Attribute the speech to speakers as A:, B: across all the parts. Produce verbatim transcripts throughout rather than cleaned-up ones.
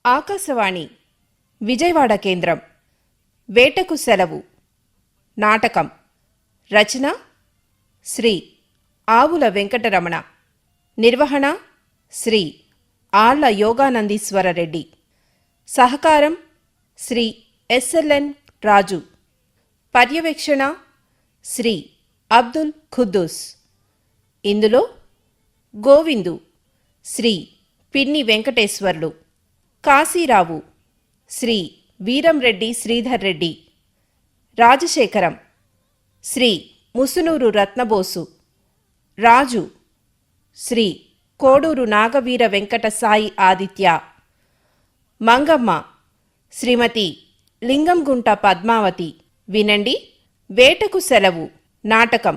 A: ఆకాశవాణి విజయవాడ కేంద్రం. వేటకు సెలవు నాటకం. రచన శ్రీ ఆవుల వెంకటరమణ. నిర్వహణ శ్రీ ఆళ్ల యోగానందీశ్వరరెడ్డి. సహకారం శ్రీ ఎస్ఎల్ఎన్ రాజు. పర్యవేక్షణ శ్రీ అబ్దుల్ ఖుద్దూస్. ఇందులో గోవిందు శ్రీ పిన్ని వెంకటేశ్వర్లు, కాశీరావు శ్రీ వీరంరెడ్డి శ్రీధర్ రెడ్డి, రాజశేఖరం శ్రీ ముసునూరు రత్నబోసు, రాజు శ్రీ కోడూరు నాగవీర వెంకట సాయి ఆదిత్య, మంగమ్మ శ్రీమతి లింగంగుంట పద్మావతి. వినండి వేటకు సెలవు నాటకం.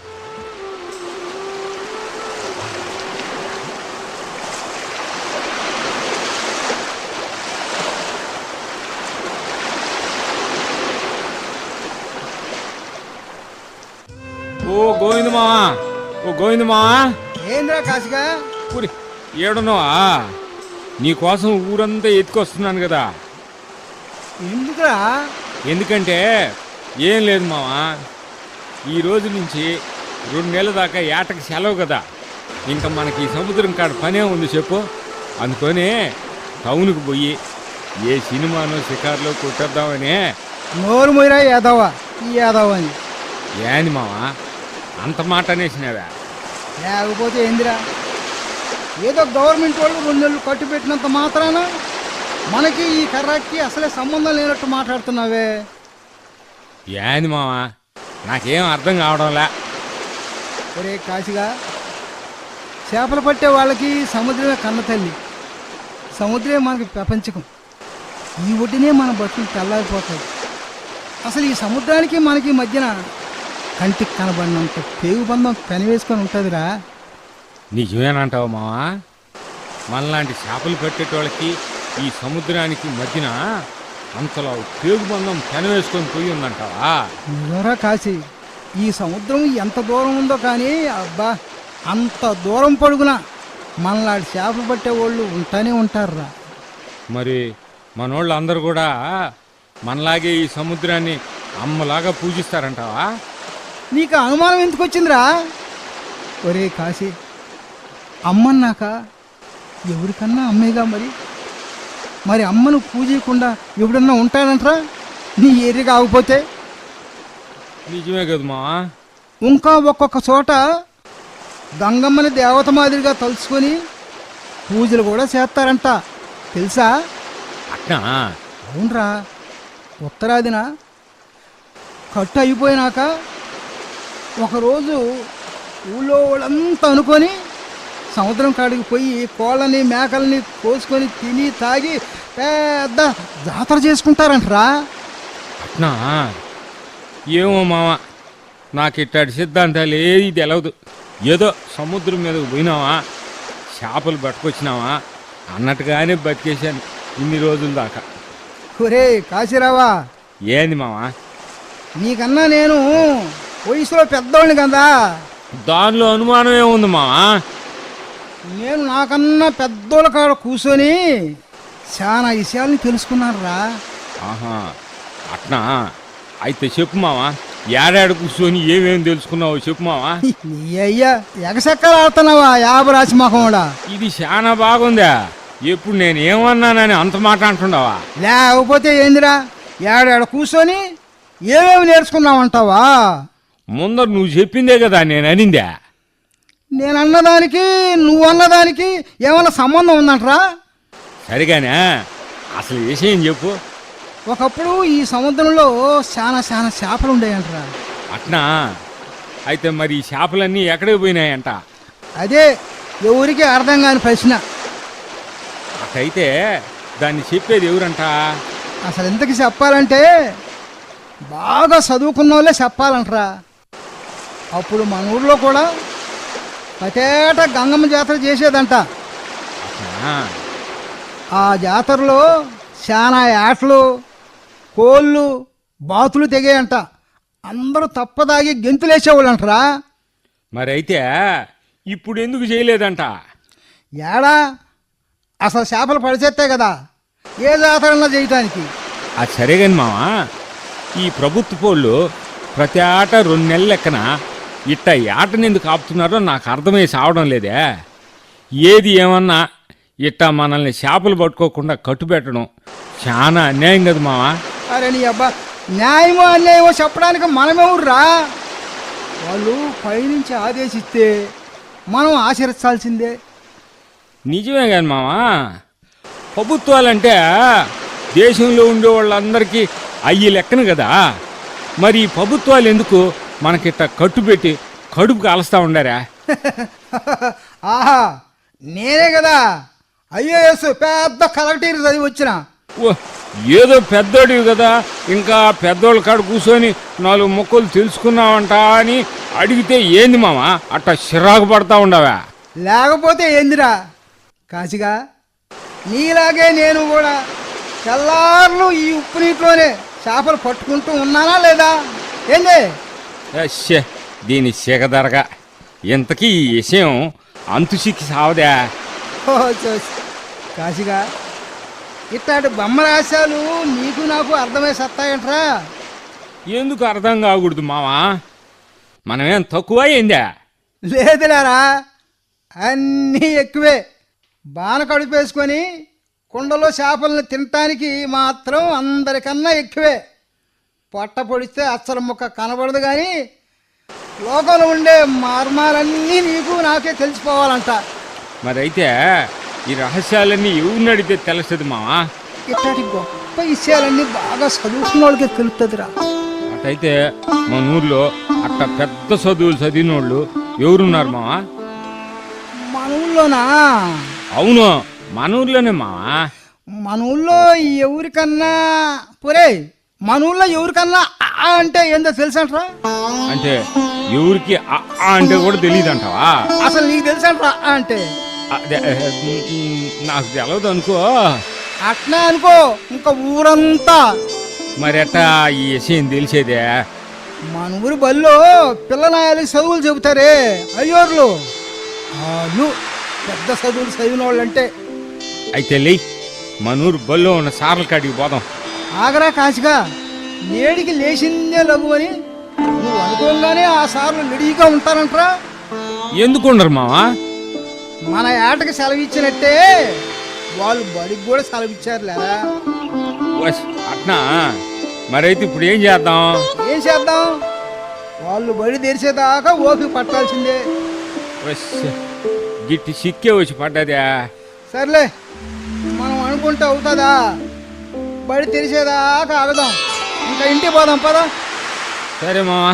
B: ఓ గోవిందమా, ఓ గోవిందమా.
C: ఏంద్రా కాశిగా
B: ఊరి ఏడున్నావా? నీకోసం ఊరంతా ఎత్తుకొస్తున్నాను కదా.
C: ఎందుకురా?
B: ఎందుకంటే ఏం లేదు మావా, ఈ రోజు నుంచి రెండు నెలల దాకా ఏటకి సెలవు కదా. ఇంకా మనకి సముద్రం కాడ పనే ఉంది చెప్పు. అందుకని టౌన్కి పోయి ఏ సినిమానో షికార్లో కొట్టేద్దామని.
C: నోరు మొయ్యరా యాదవా, ఈ యాదవ అని.
B: ఏంది మావా అంత మాట అనేసినావా?
C: లేకపోతే ఏందిరా, ఏదో గవర్నమెంట్ వాళ్ళు రెండు నెలలు కట్టు పెట్టినంత మాత్రాన మనకి ఈ కర్రాకి అసలే సంబంధం లేనట్టు మాట్లాడుతున్నావే.
B: ఏంది మావా నాకేం అర్థం కావడంలే.
C: ఒరే కాశిగా, చేపలు పట్టే వాళ్ళకి సముద్రమే కన్న తల్లి, సముద్రమే మనకి ప్రపంచకం. ఈ ఒడ్డునే మన బతుకులు తెల్లారిపోతాయి. అసలు ఈ సముద్రానికి మనకి మధ్యన కంటికి కనబడినంత పేగు బంధం పెనవేసుకొని ఉంటుందిరా.
B: నిజమేనంటావు మావా? మనలాంటి చేపలు పెట్టేటోళ్ళకి ఈ సముద్రానికి మధ్యన అంతలో పేగు బంధం పెనవేసుకొని పోయి ఉందంటావా?
C: నిజంరా కాశీ, ఈ సముద్రం ఎంత దూరం ఉందో కానీ అబ్బా, అంత దూరం పొడుగున మనలాంటి చేపలు పట్టే వాళ్ళు ఉంటానే ఉంటారురా.
B: మరి మనోళ్ళు అందరూ కూడా మనలాగే ఈ సముద్రాన్ని అమ్మలాగా పూజిస్తారంటావా?
C: నీకు అనుమానం ఎందుకు వచ్చిందిరా? ఒరే కాశీ, అమ్మన్నాక ఎవరికన్నా అమ్మేగా. మరి మరి అమ్మను పూజయకుండా ఎవడన్నా ఉంటాడంటరా నీ ఏరి కాకపోతే?
B: నిజమే కదా మావా.
C: ఇంకా ఒక్కొక్క చోట గంగమ్మని దేవత మాదిరిగా తలుచుకొని పూజలు కూడా చేస్తారంట, తెలుసా?
B: అట్నా?
C: అవునరా. ఉత్తరాదిన కట్టు అయిపోయినాక ఒకరోజు ఊళ్ళో వాళ్ళంతా అనుకొని సముద్రం కాడికి పోయి కోళ్ళని మేకల్ని కోసుకొని తిని తాగి పెద్ద జాతర చేసుకుంటారంటరా.
B: అట్నా? ఏమో మామ, నాకు ఇట్టాడి సిద్ధాంతాలు ఏది తెలవదు. ఏదో సముద్రం మీదకు పోయినావా, చేపలు పట్టుకొచ్చినావా అన్నట్టుగానే బతికేశాను ఇన్ని రోజుల దాకా.
C: ఒరే కాశీరావా,
B: ఏంది మావా?
C: నీకన్నా నేను వయసులో పెద్దోడిని కదా.
B: దానిలో అనుమానం ఏముంది మావా?
C: నేను నాకన్నా పెద్దోళ్ళ కాడ కూర్చొని చాలా విషయాలని తెలుసుకున్నాను రా.
B: ఆహా అట్నా? అయితే చెప్పు మావా, ఏడాడు కూర్చొని ఏమేమి తెలుసుకున్నావో చెప్పు మావా.
C: నీ అయ్యా ఎగసెక్కలు ఆడుతున్నావా యాభరాశి మొహండా?
B: ఇది చాలా బాగుందా? ఎప్పుడు నేను ఏమన్నానని అంత మాట అంటున్నావా?
C: లేకపోతే ఏందిరా, ఏడాడ కూర్చొని ఏమేమి నేర్చుకున్నావంటావా?
B: ముందర నువ్వు చెప్పిందే కదా నేను అనిందా.
C: నేను అన్నదానికి నువ్వు అన్నదానికి ఏమన్నా సంబంధం ఉందంటరా?
B: సరిగానే అసలు విషయం చెప్పు.
C: ఒకప్పుడు ఈ సముద్రంలో చాలా చాలా చేపలు ఉండేయంటరా.
B: అట్నా? అయితే మరి ఈ చేపలన్నీ ఎక్కడికి పోయినాయంట?
C: అదే ఎవరికి అర్థం కాని ప్రశ్న.
B: అటైతే దాన్ని చెప్పేది ఎవరంట?
C: అసలు ఎంతకి చెప్పాలంటే బాగా చదువుకున్న వాళ్ళే చెప్పాలంటరా. అప్పుడు మన ఊర్లో కూడా పతేట గంగమ్మ జాతర చేసేదంట.
B: అట్నా?
C: ఆ జాతరలో చాలా ఆటలు, కోళ్ళు, బాతులు తెగేయంట. అందరూ తప్పదాగి గెంతులేసేవాళ్ళంటరా.
B: మరి అయితే ఇప్పుడు ఎందుకు చేయలేదంట?
C: ఏడా అసలు చేపలు పడిచేస్తే కదా ఏ జాతరన్నా చేయటానికి.
B: అది సరే కానీ మావా, ఈ ప్రభుత్వ పోళ్ళు ప్రతి ఆట రెండు నెలల లెక్కన ఇట్ట ఆటని ఎందుకు ఆపుతున్నారో నాకు అర్థమై సావడం లేదే. ఏది ఏమన్నా ఇట్ట మనల్ని చేపలు పట్టుకోకుండా కట్టుబెట్టడం చాలా అన్యాయం కదా మావా.
C: అరే నీ అబ్బా, న్యాయమో అన్యాయమో చెప్పడానికి మనమెవర్రా? వాళ్ళు పైనుంచి ఆదేశిస్తే మనం ఆచరించాల్సిందే.
B: నిజమే కానీ మావా, ప్రభుత్వాలంటే దేశంలో ఉండే వాళ్ళందరికీ అయ్యి లెక్కను కదా. మరి ఈ ప్రభుత్వాలు ఎందుకు మనకిట్ట కట్టుబెట్టి కడుపు కాలుస్తూ ఉండారా?
C: ఆహా, నేనే కదా ఐఏఎస్ పెద్ద కలెక్టర్ చదివి వచ్చిన.
B: ఓ, ఏదో పెద్దోడివి కదా, ఇంకా పెద్దోళ్ళ కాడ కూర్చొని నాలుగు మొక్కలు తెలుసుకున్నావంట అని అడిగితే ఏంది మామ అట్ట చిరాకు పడతా ఉండవా?
C: లేకపోతే ఏందిరా కాశిగా, నీలాగే నేను కూడా తెల్లార్లు ఈ ఉప్పు నీటిలోనే చేపలు పట్టుకుంటూ ఉన్నానా లేదా? ఏంది?
B: అశ్శే, దీని సిగదరగా ఇంతకీ ఈ విషయం అంతు సిక్కి సావదా?
C: ఓ చూసి కాశిగా, ఇట్లాంటి బొమ్మరాశాలు నీకు నాకు అర్థమై సత్తాయంట్రా.
B: ఎందుకు అర్థం కాకూడదు మావా? మనమేం తక్కువ ఏందా?
C: లేదులేరా, అన్నీ ఎక్కువే. బాన కడుపేసుకొని కుండలో చేపలను తినటానికి మాత్రం అందరికన్నా ఎక్కువే. పొట్ట పొడిస్తే అచ్చల ముక్క కనబడదు, కానీ లోకంలో ఉండే మార్మాలన్నీ నీకు నాకే తెలిసిపోవాలంట.
B: మరైతే ఈ రహస్యాలన్నీ ఎవరిని అడిగితే తెలుస్తుంది మావా?
C: ఇట్లాంటి గొప్ప విషయాలన్నీ బాగా చదువుకున్న వాళ్ళకే తెలుస్తుందిరా.
B: అటైతే మన ఊర్లో అట్ట పెద్ద చదువులు చదివిన వాళ్ళు ఎవరున్నారు మావా?
C: మన ఊళ్ళోనా?
B: అవును, మన ఊర్లోనే మావా.
C: మన ఊళ్ళో ఎవరికన్నా పొరే మన ఊళ్ళో ఎవరికన్నా ఆ అంటే ఏందో తెలుసంట్రా?
B: అంటే ఎవరికి ఆ ఆ అంటే కూడా తెలియదు అంటావా?
C: అసలు నీకు తెలుసంట్రా ఆ అంటే?
B: అదే, నాకు తెలవదు అనుకో.
C: అట్లా అనుకో, ఇంకా ఊరంతా.
B: మరి ఎట్టా ఈ విషయం తెలిసేదే?
C: మన ఊరి బల్లో పిల్లనాయాలు చదువులు చెబుతారే అయ్యోర్లు, వాళ్ళు పెద్ద చదువులు చదివిన వాళ్ళు అంటే.
B: అయితే లే, మన ఊరు బల్లో ఉన్న సార్ల కాడికి పోదాం.
C: ఆగరా కాశిగా, నేడికి లేచిందే లఘు అని నువ్వు అనుకోగానే ఆ సార్లు రెడీగా ఉంటారంట్రా.
B: ఎందుకు ఉండరు మావా?
C: మన ఏటకి సెలవిచ్చినట్టే వాళ్ళు బడికి కూడా సెలవిచ్చారు లేరా.
B: వస్, అట్నా? మరైతే ఇప్పుడు ఏం చేద్దాం?
C: ఏం చేద్దాం? వాళ్ళు బడి తెరిచేదాకా ఓపిక పట్టాల్సిందే.
B: వస్, గిట్టి సిక్కే వచ్చి పడ్డదా?
C: సర్లే, మనం అనుకుంటే అవుతుందా? బడి తెరిచేదాకా ఆగదాం, ఇంకా ఇంటికి పోదాం పదా.
B: సరే మావా.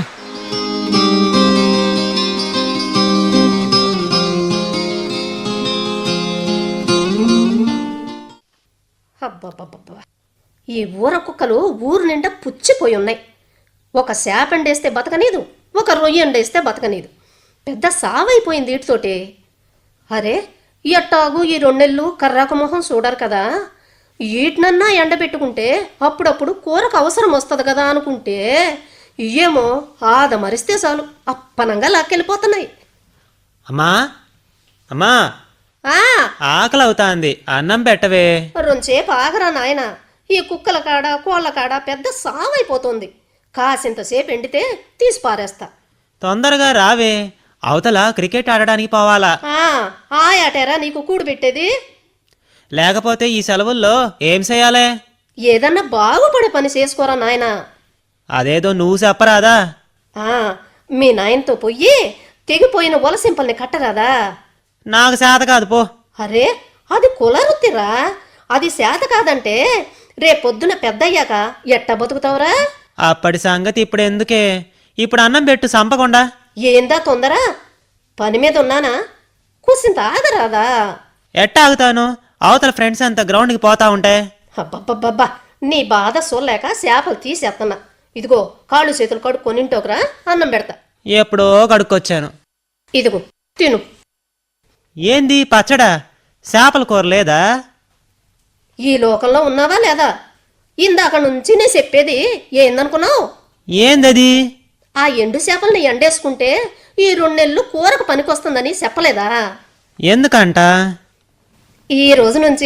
D: అబ్బబ్బబ్బబ్బా, ఈ ఊర కుక్కలు ఊరు నిండా పుచ్చిపోయి ఉన్నాయి. ఒక శాపండేస్తే బతకనీదు, ఒక రొయ్యండేస్తే బతకనీదు. పెద్ద సావైపోయింది వీటితోటి. అరే, ఎట్టాగు ఈ రెండెళ్ళు కర్రాకు మొహం చూడరు కదా, వీటినన్నా ఎండబెట్టుకుంటే అప్పుడప్పుడు కూరకు అవసరం వస్తుంది కదా అనుకుంటే ఏమో ఆద మరిస్తే చాలు అప్పనంగా లాక్కెళ్ళిపోతున్నాయి.
E: అమ్మా అమ్మా,
D: ఆ
E: ఆకలి అవుతాంది, అన్నం పెట్టవే.
D: రొంచేపు ఆగరా నాయన, ఈ కుక్కల కాడ కోళ్ళ కాడ పెద్ద సావైపోతుంది. కాసింతసేపు ఎండితే తీసి పారేస్తా.
E: తొందరగా రావే, అవతల క్రికెట్ ఆడడానికి పోవాలా.
D: ఆ ఆ ఆటేరా నీకు కూడు పెట్టేది?
E: లేకపోతే ఈ సెలవుల్లో ఏం చేయాలే?
D: ఏదన్నా బాగుపడే పని చేసుకోరా నాయనా.
E: అదేదో నువ్వు చెప్పరాదా?
D: ఆ మీ నాయనతో పొయ్యి తెగిపోయిన వలసింపల్ని కట్టరాదా?
E: నాకు చేత కాదు పో.
D: అరే, అది కులరుత్తిరా, అది శాత కాదంటే రేపొద్దున పెద్దయ్యాక ఎట్ట బతుకుతావురా?
E: అప్పటి సంగతి ఇప్పుడు ఎందుకే, ఇప్పుడు అన్నం పెట్టు సంపకుండా.
D: ఏందా తొందర? పని మీద ఉన్నానా, కూసింత ఆగరాదా?
E: ఎట్ట ఆగుతాను, అవతల ఫ్రెండ్స్ అంతా గ్రౌండ్కి పోతా ఉంటే.
D: అబ్బబ్బబ్బబ్బా, నీ బాధ సోలేక చేపలు తీసేస్తున్నా. ఇదిగో కాళ్ళు చేతులు కడుక్కొనింటోకరా, అన్నం పెడతా.
E: ఎప్పుడో కడుక్కొచ్చాను.
D: ఇదిగో తిను.
E: ఏంది పచ్చడా? చేపల కూర లేదా?
D: ఈ లోకంలో ఉన్నావా లేదా? ఇందాక నుంచి నేను చెప్పేది ఏందనుకున్నావు?
E: ఏందది?
D: ఆ ఎండు చేపల్ని ఎండేసుకుంటే ఈ రెండు నెలలు కూరకు పనికొస్తుందని చెప్పలేదా?
E: ఎందుకంట?
D: ఈ రోజు నుంచి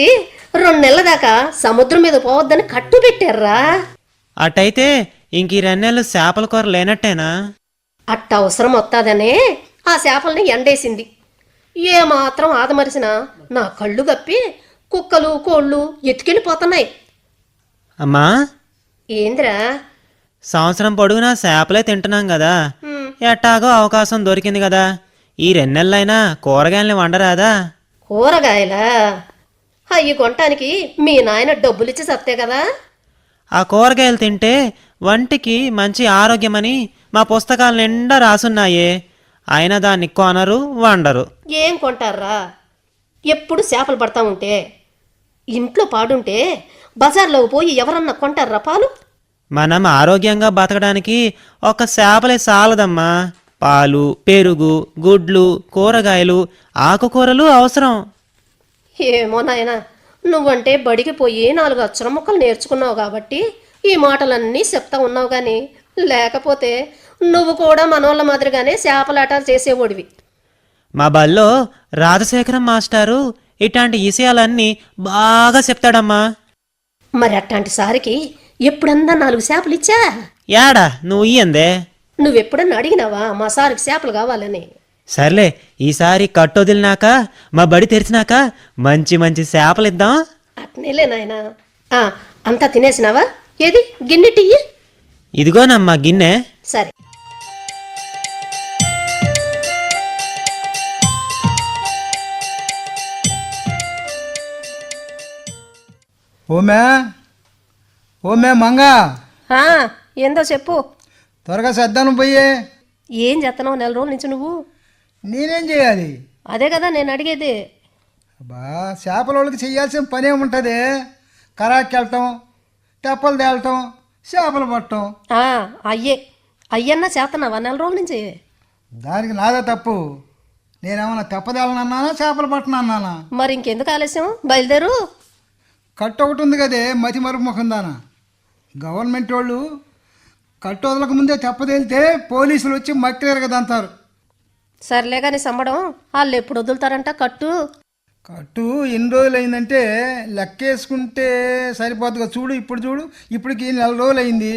D: రెండు నెలల దాకా సముద్రం మీద పోవద్దని కట్టు పెట్టారా.
E: అటైతే ఇంక ఈ రెన్నెళ్ళు చేపల కూర లేనట్టేనా?
D: అట్ట అవసరం వస్తాదనే ఆ చేపల్ని ఎండేసింది. ఏ మాత్రం ఆదమరిసినా నా కళ్ళు గప్పి కుక్కలు కోళ్ళు ఎత్తుకెళ్ళిపోతున్నాయి.
E: అమ్మా,
D: ఏంద్రా?
E: సంవత్సరం పొడుగునా చేపలే తింటున్నాం కదా,
D: హ్మ్.
E: ఎట్టాగో అవకాశం దొరికింది కదా, ఈ రెన్నెళ్ళైనా కూరగాయల్ని వండరాదా?
D: కూరగాయలా? అయ్యి కొనటానికి మీ నాయన డబ్బులిచ్చి సత్తే కదా.
E: ఆ కూరగాయలు తింటే వంటికి మంచి ఆరోగ్యమని మా పుస్తకాల నిండా రాసున్నాయే, అయినా దాన్ని కొనరు వండరు.
D: ఏం కొంటారా? ఎప్పుడు చేపలు పడతా ఉంటే ఇంట్లో పాడుంటే బజార్లో పోయి ఎవరన్నా కొంటారా పాలు?
E: మనం ఆరోగ్యంగా బతకడానికి ఒక చేపలే చాలదమ్మా, పాలు, పెరుగు, గుడ్లు, కూరగాయలు, ఆకుకూరలు అవసరం.
D: ఏమో నాయనా, నువ్వంటే బడికి పోయి నాలుగు అక్షర ముక్కలు నేర్చుకున్నావు కాబట్టి ఈ మాటలన్నీ చెప్తా ఉన్నావు కానీ, లేకపోతే నువ్వు కూడా మనోళ్ళ మాదిరిగానే చేపలాట చేసేవాడివి.
E: మా బల్లో రాజశేఖరం మాస్టారు ఇట్లాంటి విషయాలన్నీ బాగా చెప్తాడమ్మా.
D: మరి అట్లాంటి సారికి ఎప్పుడన్నా నాలుగు చేపలు ఇచ్చా?
E: యాడా నువ్వు ఇయ్యందే?
D: నువ్వెప్పుడన్నా అడిగినావా మా సారికి చేపలు కావాలని?
E: సర్లే, ఈసారి కట్టొదిలినాక మా బడి తెరిచినాక మంచి మంచి చేపలిద్దాం.
D: అట్నేలే నాయనా. ఆ, అంతా తినేసినావా? ఏది గిన్నె టీ?
E: ఇదిగోనమ్మా గిన్నె.
D: సరే.
C: ఓమే ఓమే మంగ,
D: ఆ, ఏందో చెప్పు.
C: త్వరగా సర్దాను పోయే.
D: ఏం చేస్తున్నావు నెల రోజుల నుంచి నువ్వు?
C: నేనేం చేయాలి?
D: అదే కదా నేను అడిగేది.
C: అబ్బా, చేపల వాళ్ళకి చేయాల్సిన పని ఏముంటుంది? కరాకి వెళ్ళటం, తెప్పలు తేలటం, చేపలు పట్టడం.
D: ఆ, అయ్యే అయ్యన్నా చేస్తున్నావా నెల రోజుల నుంచి?
C: దానికి నాదే తప్పు. నేనేమన్నా తెప్పదేలనన్నానా చేపలు పట్టనన్నానా?
D: మరి ఇంకెందుకు ఆలస్యం, బయలుదేరు.
C: కట్టు ఒకటి ఉంది కదే మతి మరుపు ముఖం దానా. గవర్నమెంట్ వాళ్ళు కట్టు వదలక ముందే తెప్పదేలితే పోలీసులు వచ్చి మక్కిలేరు కదా అంటారు.
D: సర్లే కానీ సంబడం వాళ్ళు ఎప్పుడు వదులుతారంట కట్టు?
C: కట్టు ఎన్ని రోజులు అయిందంటే లెక్కేసుకుంటే సరిపోతుందిగా. చూడు ఇప్పుడు చూడు, ఇప్పటికి నెల రోజులు అయింది.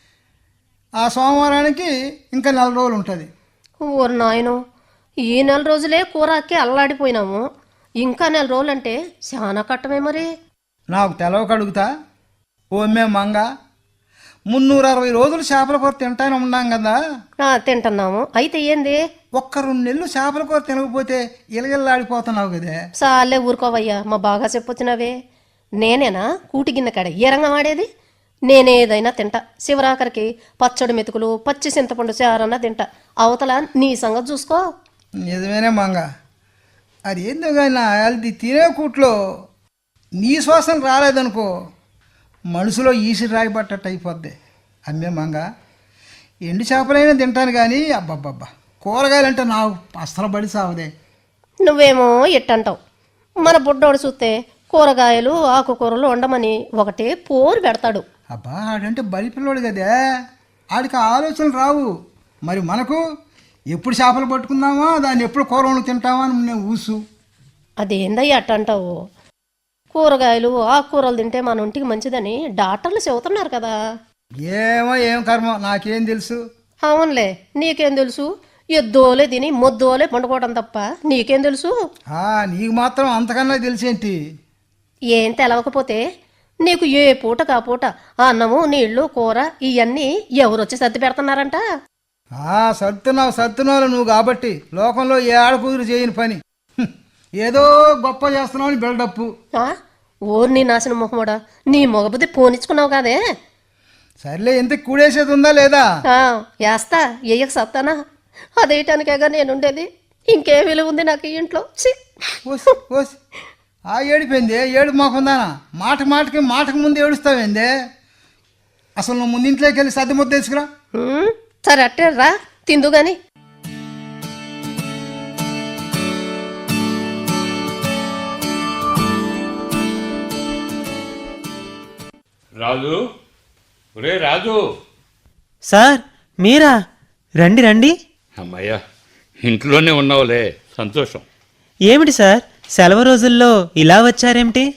C: ఆ సోమవారానికి ఇంకా నెల రోజులు ఉంటుంది.
D: ఓరు నాయను, ఈ నెల రోజులే కూరకి అల్లాడిపోయినాము, ఇంకా నెల రోజులంటే చాలా కట్టమే మరి.
C: నాకు తెలవక అడుగుతా. ఓమే మంగ, మున్నూరు అరవై రోజులు చేపల కూర తింటానే ఉన్నాం కదా.
D: ఆ, తింటున్నాము. అయితే ఏంది?
C: ఒక్క రెండు నెలలు చేపల కూర తినకపోతే ఇలగిల్లాడిపోతున్నావు కదే.
D: చాలే ఊరుకోవయ్యా, మా బాగా చెప్పొచ్చినవే. నేనేనా కూటి గిన్నె కాడ ఏ రంగం ఆడేది? నేనేదైనా తింటా. శివరాకరికి పచ్చడి మెతుకులు, పచ్చి చింతపండు చారన్నా తింటా. అవతల నీ సంగతి చూసుకో.
C: నిజమేనే మంగ, అది ఏందో కానీ అది తినే కూట్లో నీ శ్వాసన రాలేదనుకో, మనసులో ఈసిరి రాయిపట్టట్టు అయిపోద్ది. అమ్మే మంగ, ఎండు చేపలైనా తింటాను కానీ అబ్బబ్బబ్బా కూరగాయలంటే నాకు అస్సలు బడి సావదే.
D: నువ్వేమో ఎట్టంటావు. మన బుడ్డోడు చూస్తే కూరగాయలు ఆకుకూరలు వండమని ఒకటే పోరు పెడతాడు.
C: అబ్బా, ఆడంటే బలి పిల్లోడు కదే, ఆడికి ఆలోచనలు రావు. మరి మనకు ఎప్పుడు చేపలు పట్టుకుందామా, దాన్ని ఎప్పుడు కూర వండు తింటామా అని నేను ఊసు.
D: అదేందయ్యా అట్టంటావు? కూరగాయలు ఆకుకూరలు తింటే మన ఒంటికి మంచిదని డాక్టర్లు చెబుతున్నారు కదా.
C: ఏమో ఏం కర్మ, నాకేం తెలుసు.
D: అవునులే, నీకేం తెలుసు? ఎద్దోలే తిని మొద్దోలే పండుకోవడం తప్ప నీకేం తెలుసు?
C: ఆ, నీకు మాత్రం అంతకన్నా తెలిసేంటి?
D: ఏం తెలవకపోతే నీకు ఏ పూట కా పూట అన్నము నీళ్లు కూర ఇవన్నీ ఎవరొచ్చి సర్ది పెడుతున్నారంట?
C: ఆ, సర్దున్నావు సర్దున్నావు నువ్వు కాబట్టి లోకంలో ఏ ఆడకూతురు చేయని పని. హ్మ్, ఏదో గొప్ప చేస్తున్నావు అని బిల్డప్పు.
D: ఆ, ఓరు నీ నాశనం మొహమోడా, నీ మొగబుద్ధి పోనిచ్చుకున్నావు కాదే.
C: సర్లే, ఎంత కూడేసేది ఉందా లేదా?
D: ఆ, వేస్తా, ఎయ్యక సత్తానా? అదేయటానికేగా నేనుండేది, ఇంకే విలువ ఉంది నాకు ఈ ఇంట్లో? ఛీ!
C: ఓసి ఓసి ఆ ఏడిపోయింది, ఏడు మాకుందానా? మాట మాటకి మాటకు ముందు ఏడుస్తావేందే? అసలు నువ్వు ముందు ఇంట్లోకి వెళ్ళి సర్ది ముద్ద తీసుకురా.
D: ఉమ్, సరే అట్టే రా, తిందు గాని.
B: రాజు, ఒరే రాజు.
E: సార్ మీరా? రండి రండి.
F: అమ్మయ్యా, ఇంట్లోనే ఉన్నావులే, సంతోషం.
E: ఏమిటి సార్ సెలవు రోజుల్లో ఇలా వచ్చారేమిటి?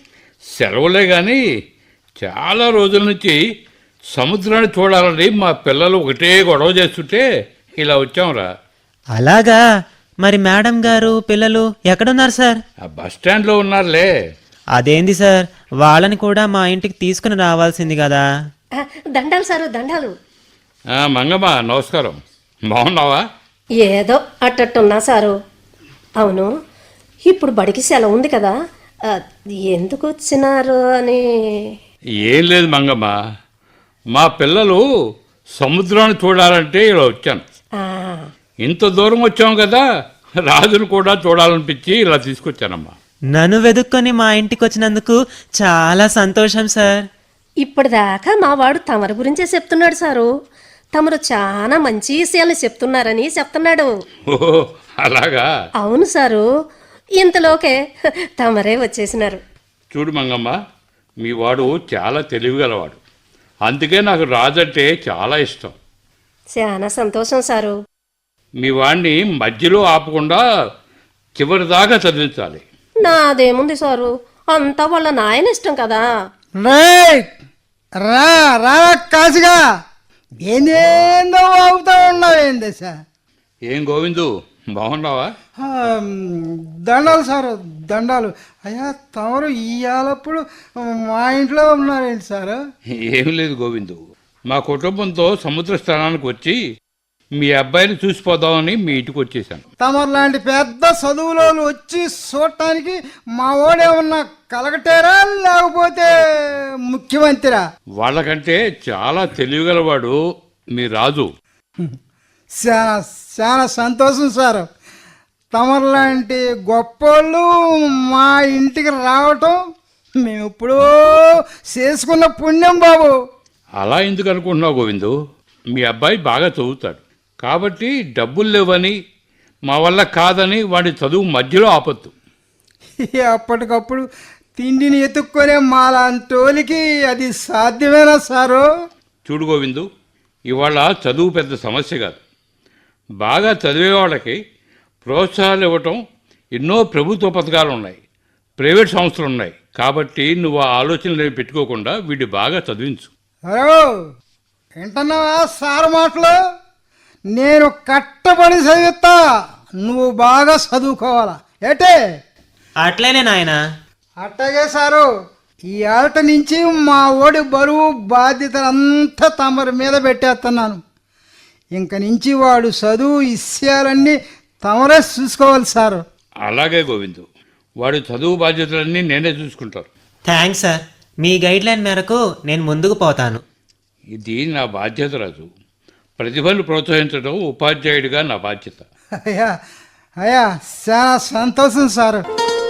F: సెలవులే కానీ చాలా రోజుల నుంచి సముద్రాన్ని చూడాలని మా పిల్లలు ఒకటే గొడవ చేస్తుంటే ఇలా వచ్చాంరా.
E: అలాగా? మరి మేడం గారు పిల్లలు ఎక్కడున్నారు సార్?
F: ఆ బస్ స్టాండ్లో ఉన్నారులే.
E: అదేంది సార్, వాళ్ళని కూడా మా ఇంటికి తీసుకుని రావాల్సింది కదా.
D: ఆ, దండాలు సారు దండాలు.
F: ఆ, మంగమ్మ నమస్కారం. బాగున్నావా?
D: ఏదో అట్టట్టున్నా సారు. అవును, ఇప్పుడు బడికి సెలవు ఉంది కదా, ఆ, ఎందుకు వచ్చినారు అని.
F: ఏం లేదు మంగమ్మ, మా పిల్లలు సముద్రాన్ని చూడాలంటే ఇలా వచ్చాను.
D: ఆ,
F: ఇంత దూరం వచ్చాం కదా, రాజును కూడా చూడాలనిపించి ఇలా తీసుకొచ్చానమ్మా.
E: నన్ను వెతుక్కొని మా ఇంటికి వచ్చినందుకు చాలా సంతోషం సార్.
D: ఇప్పటిదాకా మా వాడు తమరి గురించే చెప్తున్నాడు సారు. తమరు చాలా మంచి విషయాలు చెప్తున్నారని చెప్తున్నాడు.
F: ఓహో అలాగా?
D: అవును సారు, ఇంతలోకే తమరే వచ్చేసినారు.
F: చూడు మంగమ్మ, మీ వాడు చాలా తెలివిగలవాడు. అందుకే నాకు రాజంటే చాలా ఇష్టం.
D: చాలా సంతోషం సారు.
F: మీ వాడిని మధ్యలో ఆపకుండా చివరి దాకా చదివించాలి.
D: నాదేముంది సారు, అంతా వాళ్ళ నాయన ఇష్టం కదా.
C: రైట్, రా రా కాశీగా, ఏందేందో అవుతా ఉన్నావు ఏంది సార్?
F: ఏం గోవిందు, బాగున్నావా?
C: ఆ, దండాలు సార్, దండాలు. అయ్యా తమరు ఇయ్యాలప్పుడు మా ఇంట్లో ఉన్నారేంటి సార్?
F: ఏమీ లేదు గోవిందు, మా కుటుంబంతో సముద్ర స్థానానికి వచ్చి మీ అబ్బాయిని చూసిపోదామని మీ ఇంటికి వచ్చేసాను.
C: తమరు లాంటి పెద్ద చదువులో వచ్చి చూడటానికి మా వాడేమన్నా కలగటేరా లేకపోతే ముఖ్యమంత్రిరా?
F: వాళ్ళకంటే చాలా తెలివిగలవాడు మీ రాజు.
C: చాలా చాలా సంతోషం సార్. తమరు లాంటి గొప్పోళ్ళు మా ఇంటికి రావటం మేము ఎప్పుడో చేసుకున్న పుణ్యం బాబు.
F: అలా ఎందుకు అనుకుంటున్నావు గోవిందు? మీ అబ్బాయి బాగా చదువుతాడు కాబట్టి డబ్బులు లేవని మా వల్ల కాదని వాడి చదువు మధ్యలో ఆపొద్దు.
C: అప్పటికప్పుడు తిండిని ఎత్తుక్కొనే మాలాంటోలికి అది సాధ్యమేనా సారు?
F: చూడు గోవిందు, ఇవాళ చదువు పెద్ద సమస్య కాదు. బాగా చదివే వాళ్ళకి ప్రోత్సాహాలు ఇవ్వటం ఎన్నో ప్రభుత్వ పథకాలు ఉన్నాయి, ప్రైవేట్ సంస్థలు ఉన్నాయి. కాబట్టి నువ్వు ఆ ఆలోచనలు పెట్టుకోకుండా వీడి బాగా చదివించు.
C: హలో, వింటున్నావా సార్ మాటలు? నేను కట్టబడి చదివిస్తా, నువ్వు బాగా చదువుకోవాలా ఏటే?
E: అట్లేనే నాయనా.
C: అట్టగే సారు, ఈ ఆట నుంచి మా ఓడి బరువు బాధ్యతలంతా తమరి మీద పెట్టేస్తున్నాను. ఇంక నుంచి వాడు చదువు విషయాలన్నీ తమరే చూసుకోవాలి సారు.
F: అలాగే గోవిందు, వాడి చదువు బాధ్యతలన్నీ నేనే చూసుకుంటాను.
E: థ్యాంక్స్ సార్, మీ గైడ్లైన్ మేరకు నేను ముందుకు పోతాను.
F: ఇది నా బాధ్యత రాజు. ప్రతిభను ప్రోత్సహించడం ఉపాధ్యాయుడిగా నా బాధ్యత.
C: అయ్యా అయ్యా చాలా సంతోషం సారు.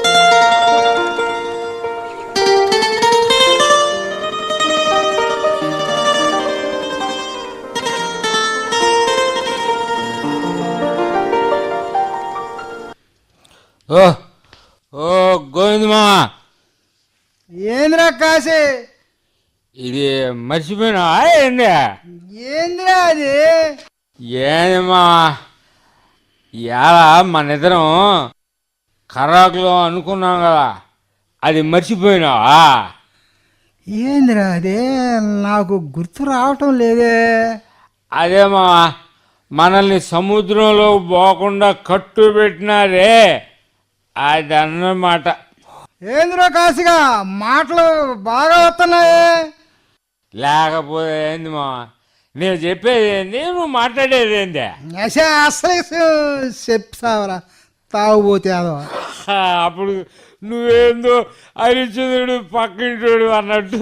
B: ఓ ఓ గోవిందమా,
C: ఏంద్రా కాశీ,
B: ఇది మర్చిపోయినా ఏంది?
C: ఏంద్రా అది?
B: ఏందమ్మా, ఇవాళ మన ఇద్దరం కరాకులో అనుకున్నాం కదా, అది మర్చిపోయినావా?
C: ఏంద్రా అదే, నాకు గుర్తు రావటం లేదే.
B: అదేమా, మనల్ని సముద్రంలో పోకుండా కట్టు పెట్టినారే, అది అన్నమాట.
C: ఏంద్రా కాశీగా, మాటలు బాగా వస్తున్నాయే.
B: లేకపోతే ఏంది మా, నేను చెప్పేది ఏంది, నువ్వు మాట్లాడేది ఏంది?
C: అసే అసలు చెప్తావరా తాగుపోతే అదో.
B: అప్పుడు నువ్వేందో హరిచంద్రుడు పక్కింటోడు అన్నట్టు.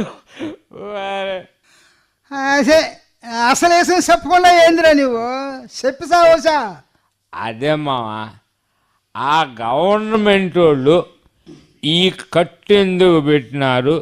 C: అసే అసలు వేసిన చెప్పకుండా ఏందిరా నువ్వు చెప్పిసావసా?
B: అదే మావా, ఆ గవర్నమెంట్ వాళ్ళు ఈ కట్టెందుకు పెట్టినారు?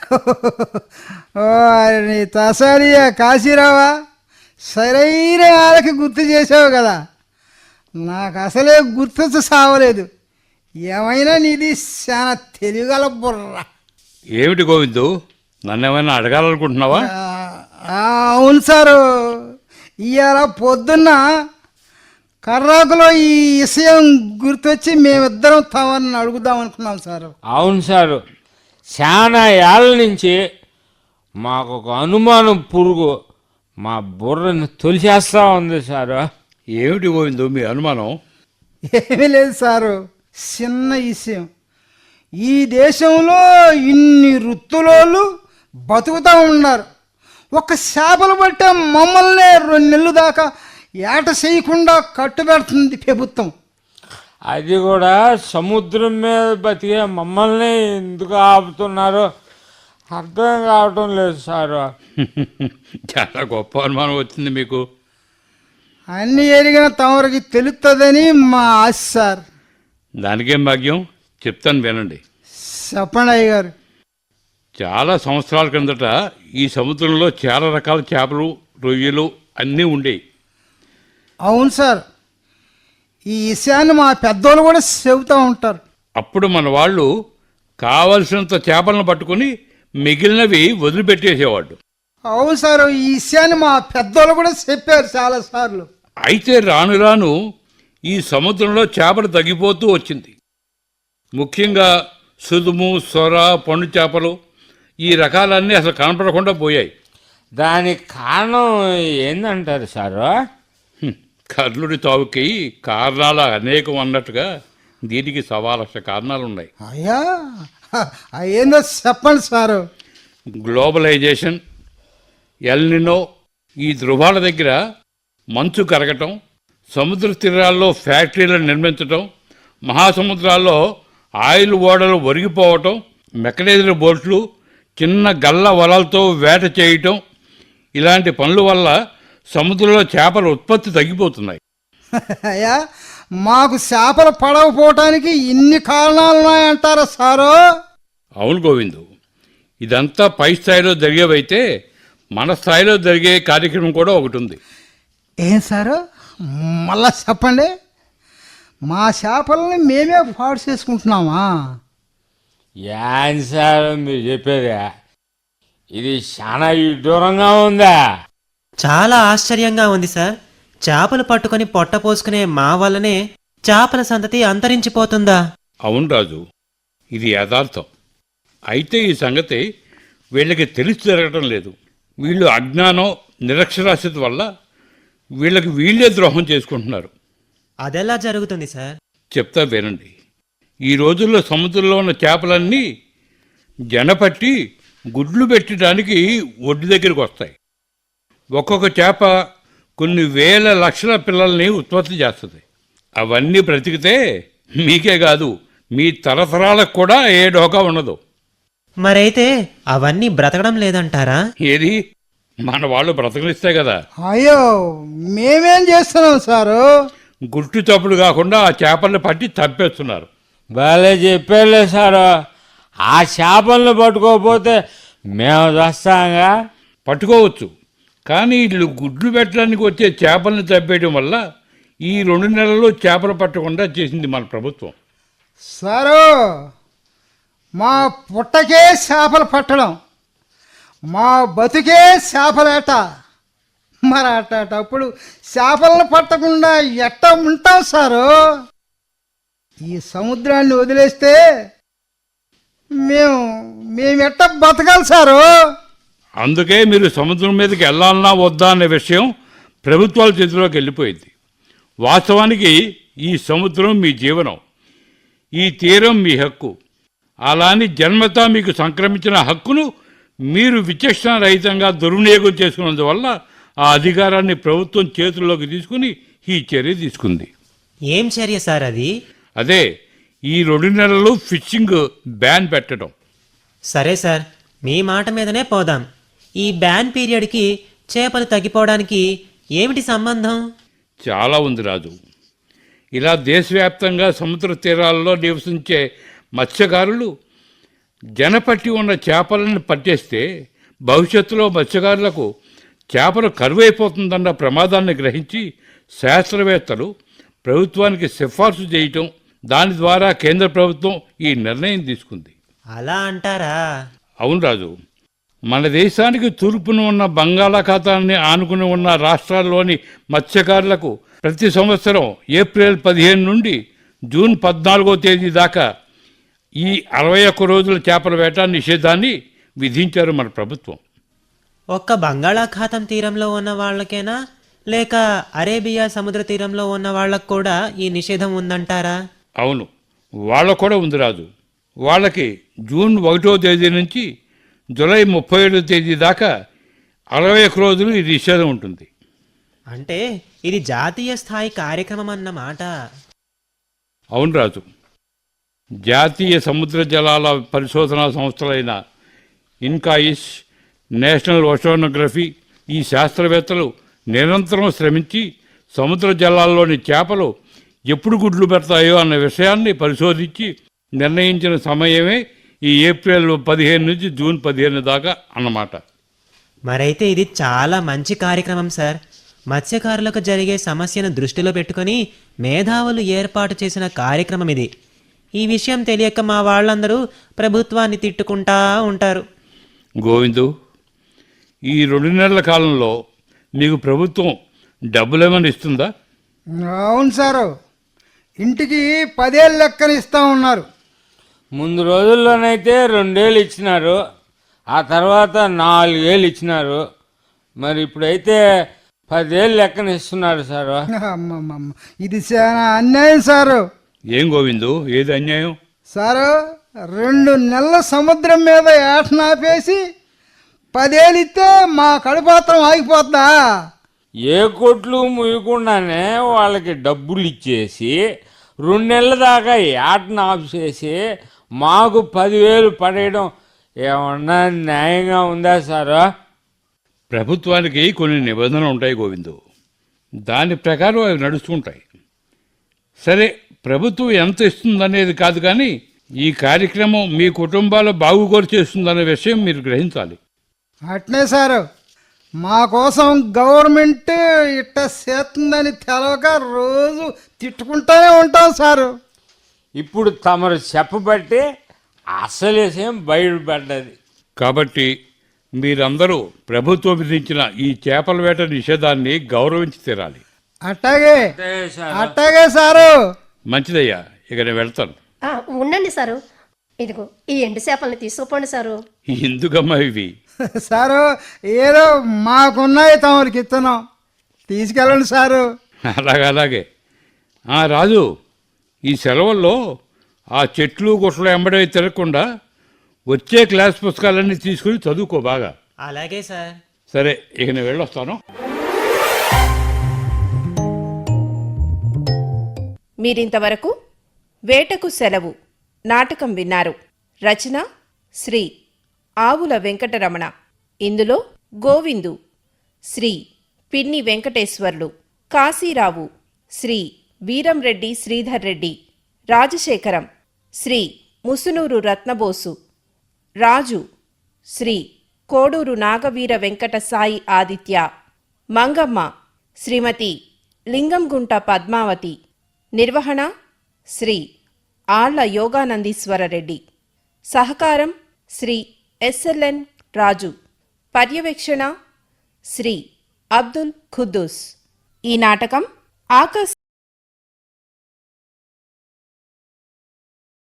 C: ఓ నీ తసారియా కాశీరావా, సరైన వాళ్ళకి గుర్తు చేసావు కదా. నాకు అసలే గుర్తు సావలేదు. ఏమైనా నీది చాలా తెలివిగల బుర్ర.
F: ఏమిటి గోవిందు, నన్ను ఏమైనా అడగాలనుకుంటున్నావా?
C: ఆ, అవును సారు. ఇవాళ పొద్దున్న కర్రాకులో ఈ విషయం గుర్తొచ్చి మేమిద్దరం తమని అడుగుదాం అనుకున్నాం సారు.
B: అవును సారు, చాలా ఏళ్ళ నుంచి మాకు ఒక అనుమానం పురుగు మా బుర్రని తొలిచేస్తూ ఉంది సారు.
F: ఏమిటి పోయిందో మీ అనుమానం?
C: ఏమీ లేదు సారు, చిన్న విషయం. ఈ దేశంలో ఇన్ని వృత్తులోళ్ళు బతుకుతూ ఉన్నారు. ఒక చేపలు పట్టే మమ్మల్ని రెండు నెలలు దాకా ఏట చేయకుండా కట్టుబెడుతుంది ప్రభుత్వం.
B: అది కూడా సముద్రం మీద బతికే మమ్మల్ని ఎందుకు ఆపుతున్నారు అర్థం కావటం లేదు సారు.
F: చాలా గొప్ప అనుమానం వచ్చింది మీకు.
C: అన్నీ ఎరిగిన తమరికి తెలుస్తుందని మా ఆశ సార్.
F: దానికేం భాగ్యం, చెప్తాను వినండి.
C: చెప్పండి అయ్య గారు.
F: చాలా సంవత్సరాల క్రిందట ఈ సముద్రంలో చాలా రకాల చేపలు, రొయ్యలు అన్నీ ఉండేవి.
C: అవును సార్, ఈ విషయాన్ని మా పెద్దోళ్ళు కూడా చెబుతూ ఉంటారు.
F: అప్పుడు మన వాళ్ళు కావలసినంత చేపలను పట్టుకుని మిగిలినవి వదిలిపెట్టేసేవాడు.
C: అవును సార్, ఈ విషయాన్ని మా పెద్దోళ్ళు కూడా చెప్పారు చాలాసార్లు.
F: అయితే రాను రాను ఈ సముద్రంలో చేపలు తగ్గిపోతూ వచ్చింది. ముఖ్యంగా సుదుము, సొర, పండు చేపలు ఈ రకాలన్నీ అసలు కనపడకుండా పోయాయి.
B: దానికి కారణం ఏందంటారు సారు?
F: హ్మ్, కర్ణుడి తావుకి కారణాలు అనేకం అన్నట్టుగా దీనికి సవా లక్ష కారణాలు ఉన్నాయి.
C: అయ్యా ఏందో చెప్పండి సారు.
F: గ్లోబలైజేషన్, ఎల్నినో, ఈ ధృవాల దగ్గర మంచు కరగటం, సముద్ర తీరాల్లో ఫ్యాక్టరీలను నిర్మించటం, మహాసముద్రాల్లో ఆయిల్ ఓడలు ఒరిగిపోవటం, మెకనైజ్డ్ బోట్లు, చిన్న గల్ల వలలతో వేట చేయటం, ఇలాంటి పనుల వల్ల సముద్రంలో చేపల ఉత్పత్తి తగ్గిపోతున్నాయి.
C: అయ్యా మాకు చేపలు పడకపోవటానికి ఇన్ని కారణాలు ఉన్నాయంటారా సారు?
F: అవును గోవిందు, ఇదంతా పై స్థాయిలో జరిగేవైతే మన స్థాయిలో జరిగే కార్యక్రమం కూడా ఒకటి ఉంది.
C: ఏం సారు, మళ్ళా చెప్పండి. మా చేపలని మేమే పాడు చేసుకుంటున్నామా?
B: ఏం సార్ మీరు చెప్పేది? ఇది చాలా విడ్డూరంగా ఉందా?
E: చాలా ఆశ్చర్యంగా ఉంది సార్. చేపలు పట్టుకొని పొట్ట పోసుకునే మా వల్లనే చేపల సంతతి అంతరించిపోతుందా?
F: అవును రాజు, ఇది యథార్థం. అయితే ఈ సంగతి వీళ్ళకి తెలిసి జరగటం లేదు. వీళ్ళు అజ్ఞానం, నిరక్షరాస్యత వల్ల వీళ్ళకి వీళ్ళే ద్రోహం చేసుకుంటున్నారు.
E: అదెలా జరుగుతుంది సార్?
F: చెప్తా వినండి. ఈ రోజుల్లో సముద్రంలో ఉన్న చేపలన్నీ జనపట్టి గుడ్లు పెట్టడానికి ఒడ్డు దగ్గరికి వస్తాయి. ఒక్కొక్క చేప కొన్ని వేల లక్షల పిల్లల్ని ఉత్పత్తి చేస్తుంది. అవన్నీ బ్రతికితే మీకే కాదు, మీ తరతరాలకు కూడా ఏ డోకా ఉండదు.
E: మరైతే అవన్నీ బ్రతకడం లేదంటారా?
F: ఏది, మన వాళ్ళు బ్రతకనిస్తే కదా.
C: అయ్యో మేమేం చేస్తున్నాం సారు?
F: గుట్టు చప్పుడు కాకుండా ఆ చేపల్ని పట్టి చంపేస్తున్నారు.
B: భలే చెప్పేలే సారు. ఆ చేపలను పట్టుకోకపోతే మేము వస్తాంగా.
F: పట్టుకోవచ్చు, కానీ వీళ్ళు గుడ్లు పెట్టడానికి వచ్చే చేపల్ని చంపేయడం వల్ల ఈ రెండు నెలల్లో చేపలు పట్టకుండా చేసింది మన ప్రభుత్వం.
C: సారు మా పుట్టకే చేపలు పట్టడం, మా బతుకే చేపలేట. మరి అట్టప్పుడు చేపలను పట్టకుండా ఎట్ట ఉంటాం సారు? ఈ సముద్రాన్ని వదిలేస్తే మేము మేము ఎట్ట బతకాలి సారు?
F: అందుకే మీరు సముద్రం మీదకి వెళ్ళాలన్నా వద్దా అనే విషయం ప్రభుత్వాల చేతిలోకి వెళ్ళిపోయింది. వాస్తవానికి ఈ సముద్రం మీ జీవనం, ఈ తీరం మీ హక్కు. అలాని జన్మతా మీకు సంక్రమించిన హక్కును మీరు విచక్షణ రహితంగా దుర్వినియోగం చేసుకున్నందువల్ల ఆ అధికారాన్ని ప్రభుత్వం చేతుల్లోకి తీసుకుని ఈ చర్య తీసుకుంది.
E: ఏం చర్య సార్ అది?
F: అదే ఈ రెండు నెలలు ఫిషింగ్ బ్యాన్ పెట్టడం.
E: సరే సార్, మీ మాట మీదనే పోదాం. ఈ బ్యాన్ పీరియడ్కి చేపలు తగ్గిపోవడానికి ఏమిటి సంబంధం?
F: చాలా ఉంది రాజు. ఇలా దేశవ్యాప్తంగా సముద్ర తీరాల్లో నివసించే మత్స్యకారులు జనపట్టి ఉన్న చేపలను పట్టేస్తే భవిష్యత్తులో మత్స్యకారులకు చేపలు కరువైపోతుందన్న ప్రమాదాన్ని గ్రహించి శాస్త్రవేత్తలు ప్రభుత్వానికి సిఫార్సు చేయటం, దాని ద్వారా కేంద్ర ప్రభుత్వం ఈ నిర్ణయం తీసుకుంది.
E: అలా అంటారా?
F: అవును రాజు, మన దేశానికి తూర్పున ఉన్న బంగాళాఖాతాన్ని ఆనుకుని ఉన్న రాష్ట్రాల్లోని మత్స్యకారులకు ప్రతి సంవత్సరం ఏప్రిల్ పదిహేను నుండి జూన్ పద్నాలుగో తేదీ దాకా ఈ అరవై ఒక్క రోజుల చేపల వేట నిషేధాన్ని విధించారు మన ప్రభుత్వం.
E: ఒక్క బంగాళాఖాతం తీరంలో ఉన్న వాళ్ళకేనా లేక అరేబియా సముద్ర తీరంలో ఉన్న వాళ్ళకు కూడా ఈ నిషేధం ఉందంటారా?
F: అవును, వాళ్ళకు కూడా ఉంది రాజు. వాళ్ళకి జూన్ ఒకటో తేదీ నుంచి జూలై ముప్పై ఏడో తేదీ దాకా అరవై ఒక్క రోజులు ఈ నిషేధం ఉంటుంది.
E: అంటే ఇది జాతీయ స్థాయి కార్యక్రమం అన్నమాట.
F: అవును రాజు, జాతీయ సముద్ర జలాల పరిశోధనా సంస్థలైన ఇన్కాయిస్, నేషనల్ ఓషనోగ్రఫీ ఈ శాస్త్రవేత్తలు నిరంతరం శ్రమించి సముద్ర జలాల్లోని చేపలు ఎప్పుడు గుడ్లు పెడతాయో అన్న విషయాన్ని పరిశోధించి నిర్ణయించిన సమయమే ఈ ఏప్రిల్ పదిహేను నుంచి జూన్ పదిహేను దాకా అన్నమాట.
E: మరైతే ఇది చాలా మంచి కార్యక్రమం సార్. మత్స్యకారులకు జరిగే సమస్యను దృష్టిలో పెట్టుకొని మేధావులు ఏర్పాటు చేసిన కార్యక్రమం ఇది. ఈ విషయం తెలియక మా వాళ్ళందరూ ప్రభుత్వాన్ని తిట్టుకుంటా ఉంటారు.
F: గోవిందు, ఈ రెండు నెలల కాలంలో మీకు ప్రభుత్వం డబ్బులేమని ఇస్తుందా?
C: అవును సారు, ఇంటికి పదేళ్ళు లెక్కన ఇస్తా ఉన్నారు.
B: ముందు రోజుల్లోనైతే రెండేళ్ళు ఇచ్చినారు, ఆ తర్వాత నాలుగేళ్ళు ఇచ్చినారు. మరి ఇప్పుడైతే పదేళ్ళు లెక్కన ఇస్తున్నారు సారు.
C: అమ్మమ్మమ్మ, ఇది చాలా అన్యాయం సారు.
F: ఏం గోవిందు, ఏది అన్యాయం?
C: సారు, రెండు నెలల సముద్రం మీద ఏటనాపేసి పదేళ్ళు ఇస్తే మా కడుపాత్రం ఆగిపోద్దా?
B: ఏ కొట్లు ముయ్యకుండానే వాళ్ళకి డబ్బులు ఇచ్చేసి రెండు నెలల దాకా ఏటను ఆఫ్ చేసి మాకు పదివేలు పడేయడం ఏమన్నా న్యాయంగా ఉందా సారు?
F: ప్రభుత్వానికి కొన్ని నిబంధనలు ఉంటాయి గోవిందు, దాని ప్రకారం అవి నడుస్తుంటాయి. సరే, ప్రభుత్వం ఎంత ఇస్తుందనేది కాదు, కానీ ఈ కార్యక్రమం మీ కుటుంబాల బాగుకోరు చేస్తుందనే విషయం మీరు గ్రహించాలి.
C: అట్నే సారు, మా కోసం గవర్నమెంట్ ఇట్ట చేస్తుందని తెలవక రోజు తిట్టుకుంటానే ఉంటాం సారు.
B: ఇప్పుడు తమరు చెప్పబట్టి అసలు విషయం బయటపడ్డది.
F: కాబట్టి మీరందరూ ప్రభుత్వం విధించిన ఈ చేపల వేట నిషేధాన్ని గౌరవించి తీరాలి.
C: అట్టాగే
B: అంతే సారు.
C: అట్టాగే సారు.
F: మంచిదయ్యా, ఇక నేను వెళ్తాను.
D: ఆ, ఉండండి సారు, ఇదిగో ఈ ఎండు చేపల్ని తీసుకుపోండి సారు.
F: ఎందుకమ్మా ఇవి?
C: సారు, ఏదో మాకున్నాయి తమరికి ఇస్తున్నాం, తీసుకెళ్ళండి సారు.
F: అలాగే అలాగే. ఆ, రాజు, ఈ సెలవుల్లో ఆ చెట్లు గుట్టలు ఎంబడే తిరగకుండా వచ్చే క్లాస్ పుస్తకాలన్నీ తీసుకుని చదువుకో బాగా.
E: అలాగే సార్.
F: సరే, ఇక నేను వెళ్ళొస్తాను.
A: మీరింతవరకు వేటకు సెలవు నాటకం విన్నారు. రచన శ్రీ ఆవుల వెంకటరమణ. ఇందులో గోవిందు శ్రీ పిన్ని వెంకటేశ్వర్లు, కాశీరావు శ్రీ వీరంరెడ్డి శ్రీధర్ రెడ్డి, రాజశేఖరం శ్రీ ముసునూరు రత్నబోసు, రాజు శ్రీ కోడూరు నాగవీర వెంకట సాయి ఆదిత్య, మంగమ్మ శ్రీమతి లింగంగుంట పద్మావతి, నిర్వహణ శ్రీ ఆళ్ల యోగానందీశ్వరరెడ్డి, సహకారం శ్రీ ఎస్ఎల్ఎన్ రాజు, పర్యవేక్షణ శ్రీ అబ్దుల్ ఖుద్దూస్. ఈ నాటకం ఆకాశ